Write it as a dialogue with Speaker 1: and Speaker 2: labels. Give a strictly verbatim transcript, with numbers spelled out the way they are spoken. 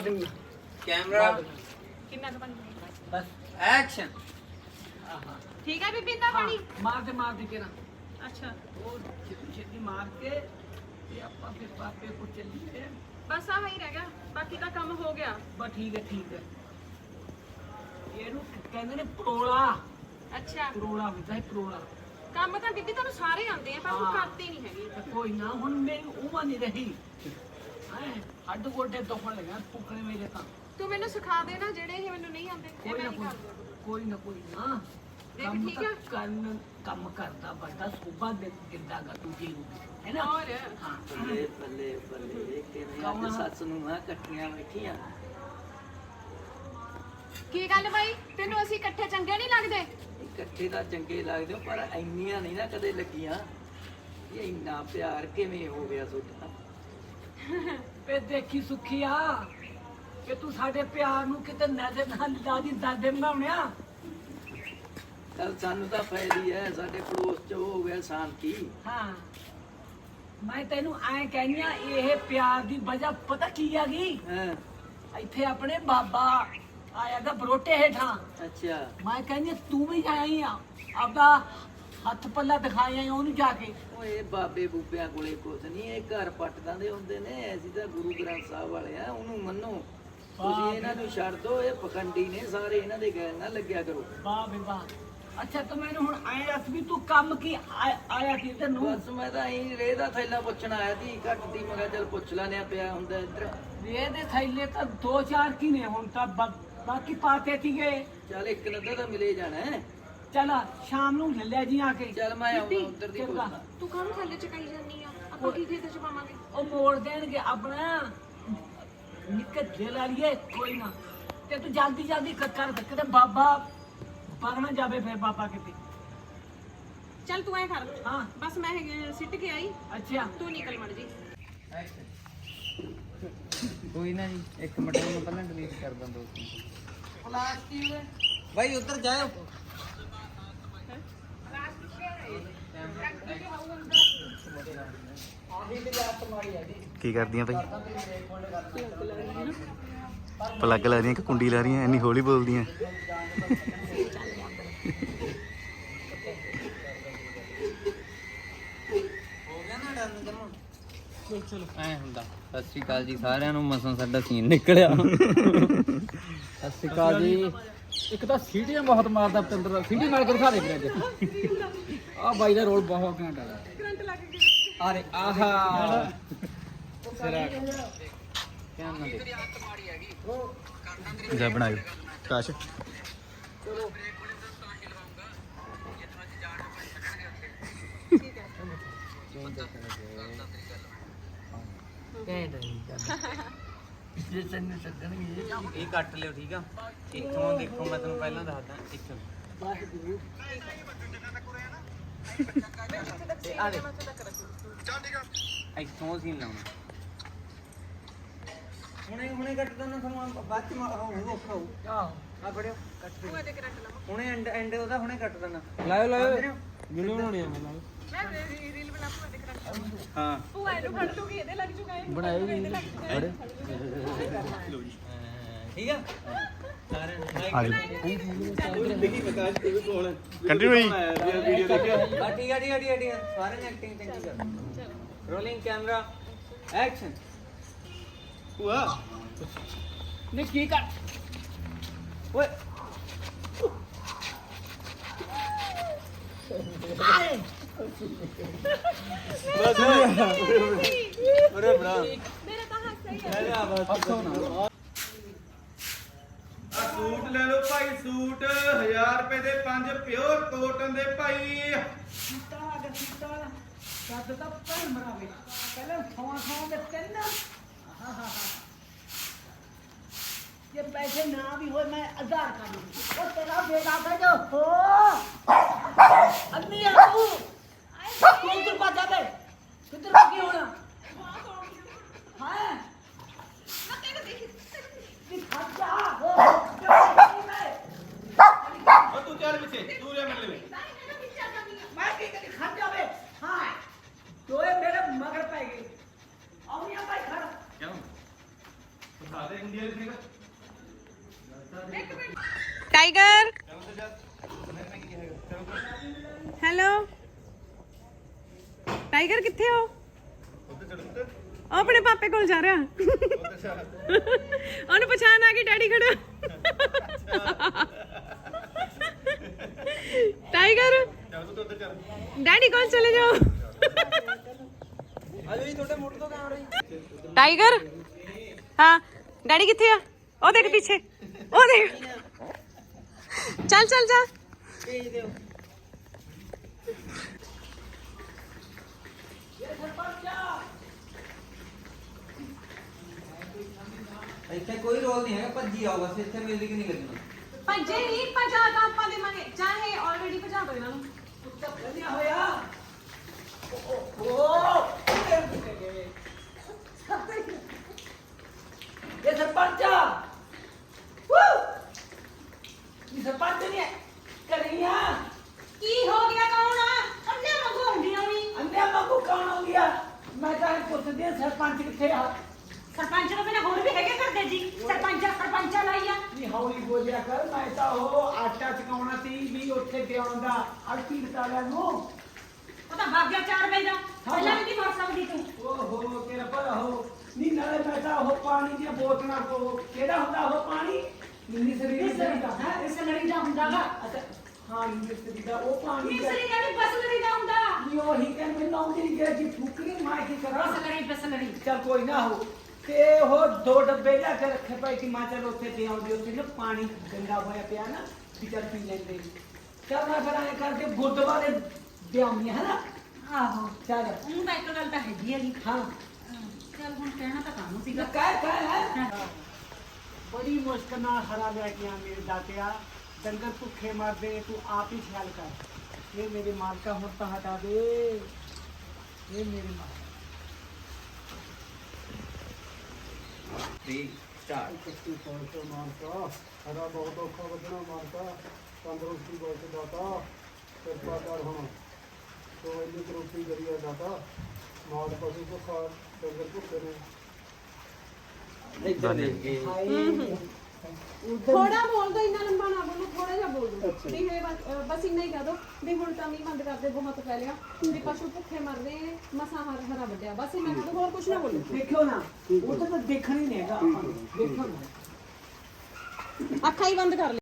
Speaker 1: Camera
Speaker 2: किन्ना क बन
Speaker 3: बस
Speaker 1: एक्शन।
Speaker 2: ठीक है बीबी इतना पानी
Speaker 3: मार दे मार दे के ना
Speaker 2: अच्छा
Speaker 3: वो छेती छेती मार के ये ਆਪਾਂ ਫਿਰ ਪਾਪੇ ਕੋ ਚੱਲੀਏ
Speaker 2: बस आ ही रह गया बाकी का काम हो गया
Speaker 3: ਬਸ ਠੀਕ ਹੈ ਠੀਕ ਹੈ ਇਹਨੂੰ ਕਹਿੰਦੇ ਨੇ ਪਰੋਲਾ
Speaker 2: अच्छा
Speaker 3: ਪਰੋਲਾ ਹੁੰਦਾ ਹੈ ਪਰੋਲਾ
Speaker 2: ਕੰਮ ਤਾਂ ਬੀਬੀ ਤੁਹਾਨੂੰ ਸਾਰੇ ਆਉਂਦੇ ਆ ਪਰ ਉਹ
Speaker 3: ਹਾਂ।
Speaker 2: ਕਰਦੇ ਨਹੀਂ ਹੈਗੇ
Speaker 3: ਤੇ ਕੋਈ ਨਾ ਹੁਣ ਮੇਰੀ ਉਮਰ ਨਹੀਂ ਰਹੀ ਹੈ ਹੱਡ ਗੋਡੇ ਦੁਖਣ ਲੱਗਾ ਪੁੱਕਣੇ ਮੇਰੇ ਤਾਂ
Speaker 2: ਤੂੰ ਮੈਨੂੰ ਸਿਖਾ ਦੇ ਨਾ ਜਿਹੜੇ ਇਹ ਮੈਨੂੰ ਨਹੀਂ ਆਉਂਦੇ ਇਹ
Speaker 3: ਕੋਈ
Speaker 2: ਮੈਂ
Speaker 3: ਨਾ
Speaker 2: ਨਹੀਂ
Speaker 3: ਕੋਈ
Speaker 2: ਕਰਦਾ
Speaker 3: ਕੋਈ ਨਾ ਕੋਈ ਨਾ
Speaker 2: ਦੇਖ
Speaker 3: ਕੰਮ
Speaker 2: ਠੀਕ
Speaker 3: ਤਾਂ
Speaker 2: ਆ?
Speaker 3: ਕਰਨ ਕੰਮ ਕਰਦਾ ਵੱਡਾ ਸੋਭਾ ਦੇ ਦਿੰਦਾ ਗਾ ਦੂਜੇ ਨੂੰ ਹੈ ਨਾ
Speaker 2: और
Speaker 3: ਹਾਂ
Speaker 1: ਬੱਲੇ ਬੱਲੇ ਬੱਲੇ ਕਿਵੇਂ
Speaker 3: ਕੌਣ ਆ?
Speaker 1: ਅੱਜ ਸੱਸ ਨੂੰ ਆ ਇਕੱਠੀਆਂ ਬੈਠੀਆਂ।
Speaker 2: ਕੀ ਗੱਲ ਬਾਈ ਤੈਨੂੰ ਅਸੀਂ ਇਕੱਠੇ ਚੰਗੇ ਨਹੀਂ ਲੱਗਦੇ
Speaker 1: ਇਕੱਠੇ ਤਾਂ ਚੰਗੇ ਲੱਗਦੇ ਹੋ, ਪਰ ਇੰਨੀਆਂ ਨਹੀਂ ਨਾ ਕਦੇ ਲੱਗੀਆਂ। ਇਹ ਇੰਨਾ ਪਿਆਰ ਕਿਵੇਂ ਹੋ ਗਿਆ ਤੁਹਾਡਾ?
Speaker 3: ਵੇ ਦੇਖੀ ਸੁਖੀਆ ਕਿ ਤੂੰ ਸਾਡੇ ਪਿਆਰ ਨੂੰ ਕਿਤੇ ਨਜ਼ਰ ਨਾਲ ਲਾ ਦੀ ਦਾਦੇ ਬਣਾਉਣਿਆ
Speaker 1: ਚੱਲ ਸਾਨੂੰ ਤਾਂ ਫਾਇਦੀ ਹੈ, ਸਾਡੇ ਪੜੋਸ ਚ ਹੋ ਗਿਆ ਸ਼ਾਂਤੀ।
Speaker 3: ਹਾਂ ਮੈਂ ਤੈਨੂੰ ਐਂ ਕਹਿੰਦੀ ਆ ਇਹ ਪਿਆਰ ਦੀ ਵਜ੍ਹਾ ਪਤਾ ਕੀ ਆ ਗਈ
Speaker 1: ਹਾਂ
Speaker 3: ਇੱਥੇ ਆਪਣੇ ਬਾਬਾ ਆਇਆ ਦਾ ਬਰੋਟੇ ਹੇਠਾਂ
Speaker 1: ਅੱਛਾ
Speaker 3: ਮੈਂ ਕਹਿੰਦੀ ਆ, ਤੂੰ ਵੀ ਜਾਈ ਆ ਆਪਦਾ ਹੱਥ ਪੱਲਾ ਦਿਖਾਇਆ ਉਹਨੂੰ ਜਾ ਕੇ
Speaker 1: ਓਏ ਬਾਬੇ ਬੂਬਿਆਂ ਕੋਲੇ ਕੁਛ ਨਹੀਂ, ਇਹ ਘਰ ਪੱਟਦਾਂ ਦੇ ਹੁੰਦੇ ਨੇ। ਅਸੀਂ ਤਾਂ ਗੁਰੂ ਗ੍ਰੰਥ ਸਾਹਿਬ ਵਾਲੇ ਆ, ਉਹਨੂੰ ਮੰਨੋ। ਤੁਸੀਂ ਇਹਨਾਂ ਨੂੰ ਛੱਡ ਦੋ, ਇਹ ਪਖੰਡੀ ਨੇ ਸਾਰੇ, ਇਹਨਾਂ ਦੇ ਗੈਰ ਨਾ ਲੱਗਿਆ ਕਰੋ।
Speaker 3: ਵਾਹ ਬੇ ਵਾਹ ਅੱਛਾ ਤੂੰ ਮੈਨੂੰ ਹੁਣ ਐਂ ਦੱਸ ਵੀ ਤੂੰ ਕੰਮ ਕੀ ਆ- ਆਇਆ ਸੀ ਤੈਨੂੰ
Speaker 1: ਬਸ ਮੈਂ ਤਾਂ ਇਹੀ ਰੇਹ ਦਾ ਥੈਲਾ ਪੁੱਛਣ ਆਇਆ ਸੀ, ਘੱਟ ਦੀ। ਮੈਂ ਕਿਹਾ ਚੱਲ ਪੁੱਛ ਲੈਣਿਆ ਪਿਆ ਹੁੰਦਾ ਇੱਧਰ।
Speaker 3: ਵੇ ਦੇ ਥੈਲੇ ਤਾਂ ਦੋ ਚਾਰ ਕੀ ਨੇ ਹੁਣ ਤਾਂ ਬਾ- ਬਾਕੀ ਪਾਤੇ ਸੀਗੇ
Speaker 1: ਚੱਲ ਇੱਕ ਨੱਦਾ ਤਾਂ ਮਿਲੇ ਜਾਣਾ ਹੈ।
Speaker 3: ਚੱਲ ਸ਼ਾਮ ਨੂੰ ਲੈ ਲੈ ਜੀ ਆ ਕੇ
Speaker 1: ਚੱਲ ਮੈਂ ਆਉਂਦਾ
Speaker 2: ਬੀਬੀ,
Speaker 1: ਉੱਧਰ ਦੀ
Speaker 3: ਚੰਗਾ।
Speaker 1: ਪੁੱਛਦਾ।
Speaker 2: ਤੂੰ ਕਾਹਨੂੰ ਥੱਲੇ ਚਕਾਈ ਜਾਂਦੀ ਆ ਆਪਾਂ ਕੀ ਖੇਤ ਚ ਪਾਵਾਂਗੇ
Speaker 3: ਉਹ ਮੋੜ ਦੇਣਗੇ ਆਪਣਾ ਨਿੱਕੇ ਦੇ ਲਾ ਲਈਏ ਕੋਈ ਨਾ ਤੇ ਤੂੰ ਜਲਦੀ ਜਲਦੀ ਕਰ ਕਰ ਕਿਤੇ ਬਾਬਾ ਪਰਨਾ ਜਾਵੇ ਫਿਰ ਬਾਬਾ ਕਿਤੇ
Speaker 2: ਚੱਲ ਤੂੰ ਐ ਕਰ
Speaker 3: ਹਾਂ
Speaker 2: ਬਸ ਮੈਂ ਇਹ ਸਿੱਟ ਕੇ ਆਈ
Speaker 3: ਅੱਛਾ
Speaker 2: ਤੂੰ ਨਿਕਲ ਮੜ ਜੀ
Speaker 1: ਕੋਈ ਨਾ ਜੀ, ਇੱਕ ਮਿੰਟ ਨੂੰ ਪਹਿਲਾਂ ਡਿਲੀਟ ਕਰ ਦਾਂ ਦੋਸਤ। ਪਲਾਸਟਿਕ ਭਾਈ ਉੱਧਰ ਜਾਓ।
Speaker 4: ਕੀ ਕਰਦੀਆਂ ਭਾਈ? ਪਲੱਗ ਲਾ ਰਹੀਆਂ ਕਿ ਕੁੰਡੀ ਲਾ ਰਹੀਆਂ? ਇੰਨੀ ਹੌਲੀ ਬੋਲਦੀਆਂ।
Speaker 1: ਹੋ ਗਿਆ ਨਾ ਡਨ ਕਰੋ। ਚਲ ਚਲ ਐ ਹੁੰਦਾ। ਸਤਿ ਸ਼੍ਰੀ ਅਕਾਲ ਜੀ ਸਾਰਿਆਂ ਨੂੰ। ਮਸਾਂ ਸਾਡਾ ਸੀਨ ਨਿਕਲਿਆ। ਸਤਿ ਸ਼੍ਰੀ ਅਕਾਲ ਜੀ।
Speaker 3: ਇੱਕ ਤਾਂ ਸੀਟੀਆਂ ਬਹੁਤ ਮਾਰਦਾ ਪਤੰਦਰ ਦਾ ਸੀਟੀ ਮਾਰ ਕੇ ਦਿਖਾ ਦੇ ਵੀਰੇ ਆ ਬਾਈ ਦਾ ਰੋਲ ਬਹੁਤ ਘੈਂਟ ਆ
Speaker 2: ਕਰੰਟ ਲੱਗ ਗਿਆ
Speaker 1: ਅਰੇ ਆਹਾ ਸਿਰਾ ਕਿਆ ਨਾ ਦੇ
Speaker 4: ਜਾ ਬਣਾਇਓ ਕਾਸ਼।
Speaker 3: ਜੇ ਸੰਨੇ ਸੱਜਣਗੇ
Speaker 1: ਇਹ ਕੱਟ ਲਿਓ ਠੀਕ ਆ। ਇੱਥੋਂ ਦੇਖੋ ਮੈਂ ਤੁਹਾਨੂੰ ਪਹਿਲਾਂ ਦੱਸਦਾ। ਇੱਥੋਂ ਤੇ ਆ ਦੇ ਇੱਥੋਂ ਸੀਨ ਲਾਉਣਾ। ਹੁਣੇ ਹੁਣੇ ਕੱਟ ਦੋ ਨਾ, ਤੁਹਾਨੂੰ ਬਾਅਦ ਚ ਹੋਊਗਾ ਔਖਾ ਹੋਊ।
Speaker 3: ਆਹ
Speaker 1: ਆ ਫੜਿਓ ਕੱਟ ਦੇ।
Speaker 2: ਤੂੰ ਇਹਦੇ ਕਰੰਟ ਲਾਵਾਂ
Speaker 1: ਹੁਣੇ ਐਂਡ ਐਂਡ ਉਹਦਾ ਹੁਣੇ ਕੱਟ ਦੇਣਾ।
Speaker 3: ਲਾਇਓ ਲਾਇਓ
Speaker 1: ਵੀਡੀਓ ਬਣਾਉਣੀ ਆ ਮੈਂ।
Speaker 2: ਮੈਂ ਰੀਲ ਬਣਾ ਪੂਆ ਦੇ ਕਰੰਟ
Speaker 1: ਹਾਂ
Speaker 2: ਉਹ ਇਹਨੂੰ ਫੜ ਲੂਗੀ ਇਹਦੇ ਲੱਗ ਚੁੱਕਾ ਹੈ
Speaker 3: ਬਣਾਇਓ
Speaker 2: ਇਹਦੇ ਲੱਗ ਚੁੱਕਾ ਹੈ
Speaker 1: ਠੀਕ ਆ ਸਾਰੇ
Speaker 4: ਆ ਜਾਓ ਕੰਟੀਨਿਊ ਹੋਈ।
Speaker 1: ਬਾ ਠੀਕ ਆ ਠੀਕ ਆ ਠੀਕ ਆ ਠੀਕ ਆ ਸਾਰੇ ਨੇ ਐਕਟਿੰਗ ਚੰਗੀ ਕਰ। Rolling camera action.
Speaker 3: ਨੇ ਕੀ ਕਰ
Speaker 1: ਓਏ ਅਰੇ ਬੜਾ
Speaker 2: ਮੇਰਾ ਤਾਂ ਹੱਥ ਸਹੀ ਹੈ
Speaker 3: ਹੱਸੋ ਨਾ
Speaker 5: ਆ ਸੂਟ ਲੈ ਲਓ ਭਾਈ, ਸੂਟ ਹਜ਼ਾਰ ਰੁਪਏ ਦੇ ਪੰਜ ਪਿਓਰ ਕੋਟਨ ਦੇ ਭਾਈ।
Speaker 3: ਸੀਤਾ ਅਗਰ ਸੀਤਾ ਕੱਦ ਤਾਂ ਪੈਰ ਮਰਾਵੇ ਪਹਿਲਾਂ ਥਾਂ ਥਾਂ ਦੇ ਤਿੰਨ ਹਾਂ ਹਾਂ ये पैसे ना भी हो मैं हजार का दूंगी और तेरा बेटा का जो हो अन्नी है तू तू इधर को जा बे किधर को क्यों होना हां
Speaker 2: ਨਾ ਤੈਨੂੰ ਦੇਖੀ
Speaker 3: कि खर्चा हो मैं
Speaker 5: ਉਹ ਤੂੰ ਚੱਲ ਪਿੱਛੇ, ਤੂੰ ਜਾ ਮਿਲ ਲੈ।
Speaker 3: मैं की करी खर्चा बे हां तो ये मेरे मगर पे गई और यहां भाई खड़ा
Speaker 5: ਕਿਉਂ? ਸਾਡੇ ਇੰਡੀਆ
Speaker 2: ਟਾਈਗਰ ਹੈਲੋ ਟਾਈਗਰ ਕਿੱਥੇ ਹੋ ਉਹ ਆਪਣੇ ਪਾਪੇ ਕੋਲ ਜਾ ਰਿਹਾ ਉਹਨੂੰ ਪਛਾਣ ਆ ਗਈ ਡੈਡੀ ਖੜਾ ਟਾਈਗਰ ਡੈਡੀ ਕੋਲ ਚਲੇ ਜਾਓ ਟਾਈਗਰ ਹਾਂ ਡੈਡੀ ਕਿੱਥੇ ਆ ਉਹ ਦੇਖ ਪਿੱਛੇ ਉਹ ਦੇਖ ਚੱਲ ਚੱਲ ਜਾ
Speaker 1: ਇੱਥੇ ਕੋਈ ਰੋਲ ਨਹੀਂ ਹੈਗਾ ਭੱਜੀ ਆਓ ਬਸ ਇੱਥੇ ਮਿਊਜ਼ਿਕ ਨਹੀਂ ਲੱਗਣਾ
Speaker 2: ਭੱਜੇ ਨਹੀਂ ਭਜਾ ਤਾਂ ਆਪਾਂ ਦੇ ਮਨੇ ਚਾਹੇ ਆਲਰੇਡੀ ਭਜਾ ਦੋ ਇਹਨਾਂ ਨੂੰ
Speaker 3: ਵਧੀਆ ਹੋਇਆ ਇਹ ਸਰਪੰਚ ਇਹ ਸਰਪੰਚ ਨਹੀਂ ਕਰੀਆ
Speaker 2: ਕੀ ਹੋ ਗਿਆ ਕੌਣ ਆ ਅੰਨੇ ਮੰਗੋ ਹੁੰਦੀਆਂ ਵੀ
Speaker 3: ਅੰਨਿਆ ਮੰਗੂ ਕੌਣ ਹੋ ਗਿਆ ਮੈਂ ਤਾਂ ਇਹ ਪੁੱਛਦੀ ਹਾਂ ਸਰਪੰਚ ਕਿੱਥੇ ਆ
Speaker 2: ਸਰਪੰਚ ਤੋਂ ਬਿਨਾਂ ਹੋਰ ਵੀ ਹੈਗੇ ਕਰਦੇ ਜੀ ਸਰਪੰਚ ਸਰਪੰਚਾ ਲਾਈ ਆ
Speaker 3: ਨਹੀਂ ਹੌਲੀ ਬੋਲਿਆ ਕਰ ਮੈਂ ਤਾਂ ਉਹ ਆਟਾ ਚਕਾਉਣਾ ਸੀ ਵੀ ਉੱਥੇ ਤੇ ਆਉਂਦਾ ਅੜਤੀ ਬਤਾਲਿਆ ਨੂੰ
Speaker 2: ਉਹ ਤਾਂ ਭਾਗਿਆ ਚਾਰ ਵਜੇ ਦਾ ਪਹਿਲਾਂ ਵੀ ਨਹੀਂ ਮਰ ਸਕਦੀ ਤੂੰ
Speaker 3: ਓਹੋ ਤੇਰਾ ਭਲਾ ਹੋ ਨਹੀਂ ਨਾਲੇ ਮੈਂ ਤਾਂ ਉਹ ਪਾਣੀ ਦੀਆਂ ਬੋਤਲਾਂ ਕੋ ਕਿਹੜਾ ਹੁੰਦਾ ਉਹ ਪਾਣੀ ਮਿੰਨੀ ਸਰੀਰ ਦਾ
Speaker 2: ਹਾਂ ਇਸ ਲੜੀ ਦਾ ਹੁੰਦਾਗਾ
Speaker 3: ਅੱਛਾ ਹਾਂ ਮਿੰਨੀ ਸਰੀਰ ਦਾ ਉਹ ਪਾਣੀ ਦਾ
Speaker 2: ਮਿਸਰੀ ਦਾ ਵੀ ਬਸ ਲੜੀ ਦਾ ਹੁੰਦਾ
Speaker 3: ਨਹੀਂ ਉਹੀ ਕਹਿੰਦੇ ਮੈਨੂੰ ਆਉਂਦੀ ਨਹੀਂ ਗਿਆ ਜੀ ਫੁਕਰੀ ਮਾਰ ਕੇ ਕਰਾਂ
Speaker 2: ਬਸ ਲੜੀ ਬਸ ਲੜੀ
Speaker 3: ਚੱਲ ਕੋਈ ਨਾ ਹੋ ਤੇ ਉਹ ਦੋ ਡੱਬੇ ਲਿਆ ਕੇ ਰੱਖੇ ਪਏ ਕਿ ਮਾਂ ਚੱਲ ਉੱਥੇ ਤੇ ਆਉਂਦੀ ਉੱਥੇ ਨਾ ਪਾਣੀ ਗੰਦਾ ਹੋਇਆ ਪਿਆ ਨਾ ਵੀ ਚੱਲ ਪੀ ਲੈਂਦੇ ਚੱਲ ਮੈਂ ਫਿਰ ਐਂ ਕਰਕੇ ਗੁਰਦੁਆਰੇ ਦਿਆਉਂਦੀਆਂ ਹੈ ਨਾ
Speaker 2: ਆਹੋ
Speaker 3: ਚੱਲ
Speaker 2: ਉਹਨੂੰ ਤਾਂ ਇੱਕ ਗੱਲ ਤਾਂ ਹੈਗੀ ਹੈਗੀ
Speaker 3: ਹਾਂ
Speaker 2: ਚੱਲ ਹੁਣ ਕਹਿਣਾ ਤਾਂ ਕਾਹਨੂੰ ਸੀਗਾ
Speaker 3: ਕਹਿ ਕਹਿ ਹੈ ਬੜੀ ਮੁਸ਼ਕਲ ਨਾਲ ਹਰਾ ਲੈ ਕੇ ਆ ਮੇਰੇ ਦਾਤਿਆ ਡੰਗਰ ਭੁੱਖੇ ਮਰਦੇ ਤੂੰ ਆਪ ਹੀ ਖਿਆਲ ਕਰ ਇਹ ਮੇਰੇ ਮਾਲਕਾ ਹੁਣ ਤਾਂ ਹਟਾ ਦੇ ਇਹ ਮੇਰੇ ਮਾਲਕਾ
Speaker 1: ਥ੍ਰੀ ਸਟਾਰਟ
Speaker 6: ਕੱਤੀ ਪਹੁੰਚੋ ਮਾਨਕਾ ਸਾਡਾ ਬਹੁਤ ਔਖਾ ਵੱਧਣਾ ਮਾਨਕਾ ਤੰਦਰੁਸਤੀ ਬਹੁਤ ਦਾਤਾ ਕਿਰਪਾ ਕਰ ਹੁਣ ਸੋ ਇੰਨੀ ਤਰੱਕੀ ਕਰੀਏ ਦਾਤਾ ਮਾਲ ਪਸ਼ੂ ਭੁੱਖਾ ਡੰਗਰ ਭੁੱਖੇ ਨੇ
Speaker 1: ਇੱਧਰ ਦੇਖ ਕੇ
Speaker 7: ਥੋੜਾ ਬੋਲ ਦੋ ਇੰਨਾ ਲੰਬਾ ਨਾ ਬੋਲੋ ਥੋੜਾ ਜਿਹਾ ਬੋਲ ਦੋ ਵੀ ਇਹ ਬਸ ਅਹ ਬਸ ਇੰਨਾ ਹੀ ਕਹਿ ਦੋ ਵੀ ਹੁਣ ਤਾਂ ਨਹੀਂ ਬੰਦ ਕਰਦੇ ਬਹੁਤ ਪੈ ਲਿਆ ਵੀ ਪਸ਼ੂ ਭੁੱਖੇ ਮਰਦੇ ਨੇ ਮਸਾ ਹਰ ਹਰਾ ਵੱਡਿਆ ਬਸ ਇੰਨਾ ਕਹਿ ਦੋ ਹੋਰ ਕੁਝ ਨਾ ਬੋਲੋ
Speaker 3: ਦੇਖਿਓ ਨਾ ਉਹ ਤਾਂ ਦੇਖਣ ਹੀ ਨਹੀਂ ਹੈਗਾ ਆਪਾਂ ਨੂੰ ਦੇਖੋ ਨਾ
Speaker 7: ਅੱਖਾਂ ਹੀ ਬੰਦ ਕਰ